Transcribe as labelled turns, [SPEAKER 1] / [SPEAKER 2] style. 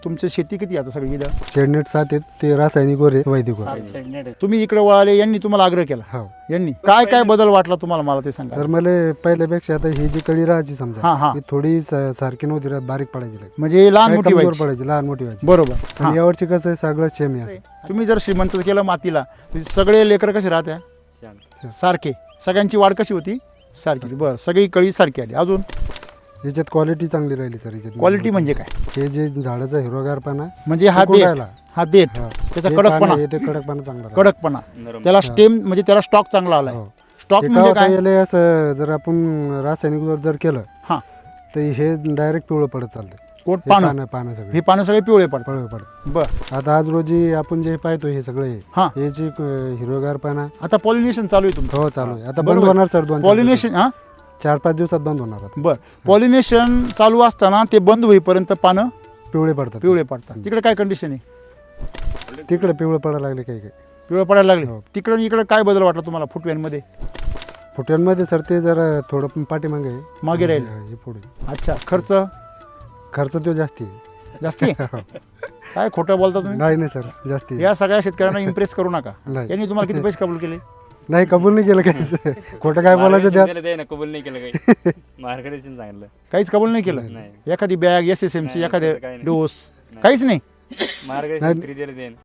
[SPEAKER 1] तुमची शेती किती आता सगळी इथं?
[SPEAKER 2] शेडनेट 7 आहेत, ते रासायनिक वर आहे, वैदिक वर आहे.
[SPEAKER 1] तुम्ही इकडे वळाले, यांनी तुम्हाला आग्रह केला?
[SPEAKER 2] हो
[SPEAKER 1] यांनी काय काय बदल वाटला तुम्हाला, मला ते सांगा.
[SPEAKER 2] सर, मला पहिल्यापेक्षा आता ही जी कळी राहायची
[SPEAKER 1] हा,
[SPEAKER 2] समजा
[SPEAKER 1] हा.
[SPEAKER 2] ही थोडी सारखी नव्हती राहत, बारीक पडायची लगे.
[SPEAKER 1] म्हणजे लहान
[SPEAKER 2] काय
[SPEAKER 1] मोठी
[SPEAKER 2] कमजोर
[SPEAKER 1] व्हायची.
[SPEAKER 2] पडायची, लहान मोठी व्हायची.
[SPEAKER 1] बरोबर. हा.
[SPEAKER 2] आणि यावरची कसं आहे, सगळं सेम आहे असं.
[SPEAKER 1] तुम्ही जर श्रीमंत केलं मातीला, तर सगळे लेकर कसे राहत्या? सारखे. सगळ्यांची वाढ कशी होती? सारखी. बरं, सगळी कळी सारखी आली. अजून
[SPEAKER 2] याच्यात क्वालिटी चांगली राहिली सर. याच्यात
[SPEAKER 1] क्वालिटी म्हणजे काय?
[SPEAKER 2] हे जे झाडाचा हिरवागारपणा
[SPEAKER 1] म्हणजे हा
[SPEAKER 2] टिकून
[SPEAKER 1] देठ,
[SPEAKER 2] राहिला.
[SPEAKER 1] हा देठ,
[SPEAKER 2] हा.
[SPEAKER 1] त्याचा
[SPEAKER 2] हे
[SPEAKER 1] कडकपणा,
[SPEAKER 2] पानं आहे, ते कडकपणा चांगला राहिला.
[SPEAKER 1] कडकपणा, त्याला स्टेम म्हणजे त्याला स्टॉक चांगला आलाय.
[SPEAKER 2] हो.
[SPEAKER 1] स्टॉक
[SPEAKER 2] हे
[SPEAKER 1] म्हणजे
[SPEAKER 2] काय
[SPEAKER 1] काय?
[SPEAKER 2] होतं, याला असं जर आपण रासायनिक वर जर केलं
[SPEAKER 1] हा.
[SPEAKER 2] तर हे डायरेक्ट पिवळं पडत चालतं.
[SPEAKER 1] कोट
[SPEAKER 2] हे
[SPEAKER 1] पानं,
[SPEAKER 2] पानं सगळे
[SPEAKER 1] हे पानं सगळे पिवळे पडतात.
[SPEAKER 2] पिवळे पडत.
[SPEAKER 1] बर.
[SPEAKER 2] आता आज रोजी आपण जे पाहतो हे सगळे
[SPEAKER 1] हा.
[SPEAKER 2] हे जे हिरवेगारपणा
[SPEAKER 1] आता पॉलिनेशन चालू आहे तुमचं?
[SPEAKER 2] हो चालू आहे. आता
[SPEAKER 1] बरोबर.
[SPEAKER 2] बंद होणार सर, 2-4
[SPEAKER 1] पॉलिनेशन, हा,
[SPEAKER 2] 4-5 दिवसात बंद होणार आता.
[SPEAKER 1] बर. पॉलिनेशन चालू असताना ते बंद होईपर्यंत पानं
[SPEAKER 2] पिवळे पडतात.
[SPEAKER 1] पिवळे पडतात. तिकडे काय कंडिशन आहे?
[SPEAKER 2] तिकडे पिवळे पडायला लागले काही काही.
[SPEAKER 1] पिवळे पडायला लागले.
[SPEAKER 2] हो.
[SPEAKER 1] तिकडे आणि इकडे काय बदल वाटला तुम्हाला फुटव्यांमध्ये?
[SPEAKER 2] फुट्यांमध्ये सर ते जरा थोडं पाठीमागे आहे.
[SPEAKER 1] मागे राहील.
[SPEAKER 2] हे पुढे.
[SPEAKER 1] अच्छा. खर्च
[SPEAKER 2] खर्च तो जास्ती आहे.
[SPEAKER 1] जास्ती आहे? काय खोटं बोलता तुम्ही?
[SPEAKER 2] नाही सर, जास्ती आहे.
[SPEAKER 1] या सगळ्या शेतकऱ्यांना इम्प्रेस करू नका.
[SPEAKER 2] नाही.
[SPEAKER 1] यांनी तुम्हाला किती पैसे कबूल केले?
[SPEAKER 2] नाही, कबूल नाही केलं काहीच. खोटं काय बोलायचं त्यात.
[SPEAKER 3] कबूल नाही केलं काही. मार्गदर्शन सांगितलं.
[SPEAKER 1] काहीच कबूल नाही केलं?
[SPEAKER 3] नाही.
[SPEAKER 1] एखादी बॅग, SSM ची
[SPEAKER 3] नाही,
[SPEAKER 1] एखादे
[SPEAKER 3] काही नाही.
[SPEAKER 1] डोस, काहीच नाही?
[SPEAKER 3] मार्गदर्शन फ्री दिलं त्यानं.